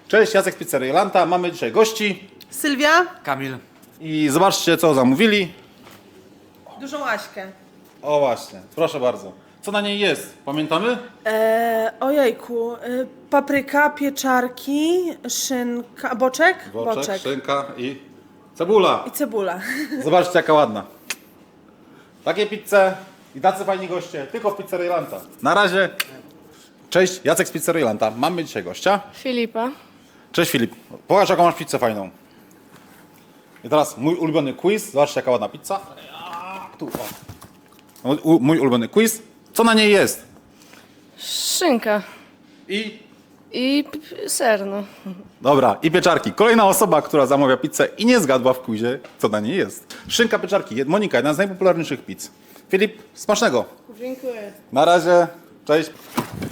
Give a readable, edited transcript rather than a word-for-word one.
Cześć, Jacek z Pizzerii Lanta. Mamy dzisiaj gości Sylwia, Kamil. i zobaczcie, co zamówili. dużą Aśkę. O właśnie, proszę bardzo. Co na niej jest? Pamiętamy? Ojejku, papryka, pieczarki, szynka, boczek? Boczek, szynka i cebula. I cebula. Zobaczcie, jaka ładna. Takie pizze i tacy fajni goście, tylko w Pizzerii Lanta. Na razie. Cześć, Jacek z Pizzerii Lanta. Mamy dzisiaj gościa. Filipa. Cześć Filip. Pokaż, jaką masz pizzę fajną. I teraz mój ulubiony quiz. Zobaczcie, jaka ładna pizza. Tu, o. Mój ulubiony quiz. Co na niej jest? Szynka. I... I ser, no. Dobra, i pieczarki. Kolejna osoba, która zamawia pizzę i nie zgadła w quizie, co na niej jest. Szynka, pieczarki. Monika, jedna z najpopularniejszych pizz. Filip, smacznego. Dziękuję. Na razie. Cześć.